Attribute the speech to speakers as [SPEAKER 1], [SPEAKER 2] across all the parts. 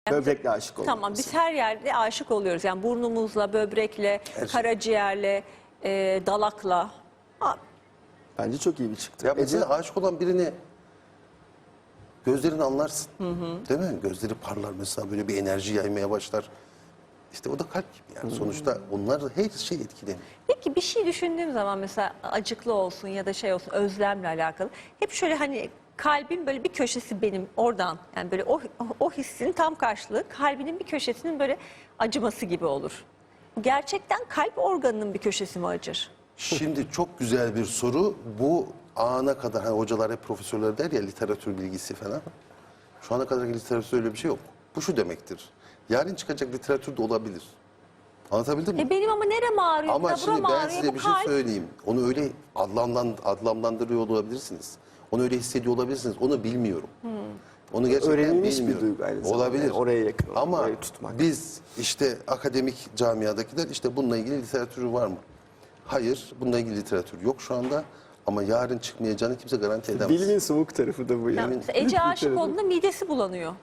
[SPEAKER 1] Böbrekle aşık olmak.
[SPEAKER 2] Tamam, biz her yerde aşık oluyoruz. Yani burnumuzla, böbrekle, karaciğerle, dalakla. Ha,
[SPEAKER 1] Bence çok iyi bir çıktı.
[SPEAKER 3] Ya mesela aşık olan birini gözlerini anlarsın. Değil mi? Gözleri parlar mesela, böyle bir enerji yaymaya başlar. İşte o da kalp gibi yani. Sonuçta onlar her şey etkileniyor.
[SPEAKER 2] Peki bir şey düşündüğüm zaman mesela acıklı olsun ya da şey olsun, özlemle alakalı. Hep şöyle hani kalbin böyle bir köşesi benim oradan, yani böyle o hissin tam karşılığı kalbinin bir köşesinin böyle acıması gibi olur. Gerçekten kalp organının bir köşesi mi acır?
[SPEAKER 3] Şimdi çok güzel bir soru. Bu ana kadar, hani hocalar hep profesörler der ya, literatür bilgisi falan. Şu ana kadar literatürde öyle bir şey yok. Bu şu demektir: yarın çıkacak literatür de olabilir. Anlatabildim mi?
[SPEAKER 2] Benim ama nerem ağrıyor,
[SPEAKER 3] Ama
[SPEAKER 2] buram
[SPEAKER 3] şimdi ben
[SPEAKER 2] ağrıyor,
[SPEAKER 3] size
[SPEAKER 2] bu
[SPEAKER 3] bir şey
[SPEAKER 2] kalp.
[SPEAKER 3] söyleyeyim. Onu öyle adlandırıyor olabilirsiniz. Onu öyle hissediyor olabilirsiniz. Onu bilmiyorum. Onu gerçekten
[SPEAKER 1] Öğrenilmiş bir
[SPEAKER 3] bilmiyorum.
[SPEAKER 1] duygu aynı zamanda.
[SPEAKER 3] Olabilir.
[SPEAKER 1] Yani oraya yakın olmak,
[SPEAKER 3] Ama
[SPEAKER 1] orayı tutmak.
[SPEAKER 3] biz işte akademik camiadakiler işte bununla ilgili literatürü var mı? Hayır. Bununla ilgili literatür yok şu anda. Ama yarın çıkmayacağını kimse garanti edemez.
[SPEAKER 1] Bilimin soğuk tarafı da bu
[SPEAKER 2] Ya
[SPEAKER 1] yani.
[SPEAKER 2] mesela Ece aşık olduğunda midesi bulanıyor.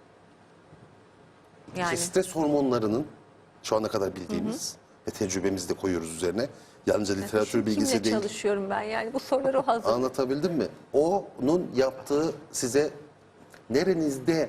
[SPEAKER 2] Yani.
[SPEAKER 3] İşte stres hormonlarının şu ana kadar bildiğimiz ve tecrübemizi de koyuyoruz üzerine. Yalnızca literatür bilgisi
[SPEAKER 2] Kimle
[SPEAKER 3] değil.
[SPEAKER 2] çalışıyorum ben yani, bu soruları hazır.
[SPEAKER 3] Anlatabildim mi? Onun yaptığı size nerenizde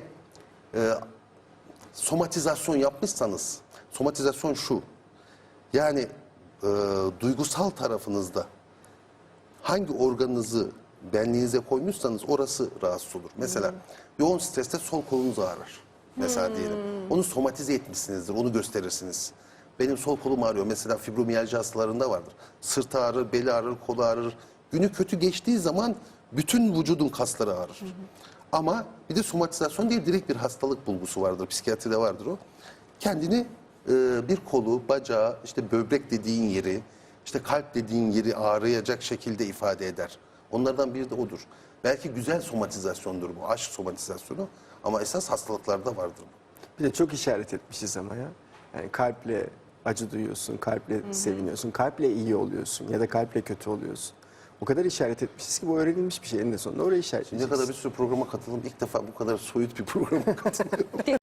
[SPEAKER 3] somatizasyon yapmışsanız, somatizasyon şu: yani duygusal tarafınızda hangi organınızı benliğinize koymuşsanız orası rahatsız olur. Mesela yoğun streste sol kolunuz ağrır. Mesela diyelim. Onu somatize etmişsinizdir, onu gösterirsiniz. Benim sol kolum ağrıyor. Mesela fibromiyalji hastalarında vardır. Sırt ağrır, beli ağrır, kolu ağrır. Günü kötü geçtiği zaman bütün vücudun kasları ağrır. Ama bir de somatizasyon diye direkt bir hastalık bulgusu vardır. Psikiyatride vardır o. Kendini bir kolu, bacağı, işte böbrek dediğin yeri, işte kalp dediğin yeri ağrıyacak şekilde ifade eder. Onlardan biri de odur. Belki güzel somatizasyondur bu, aşk somatizasyonu, ama esas hastalıklarda vardır bu.
[SPEAKER 1] Bir de çok işaret etmişiz ama ya. Yani kalple acı duyuyorsun, kalple seviniyorsun, kalple iyi oluyorsun ya da kalple kötü oluyorsun. O kadar işaret etmişiz ki bu öğrenilmiş bir şey. En de sonunda oraya işaret
[SPEAKER 3] Şimdiye kadar bir sürü programa katıldım. İlk defa bu kadar soyut bir programa katılıyorum.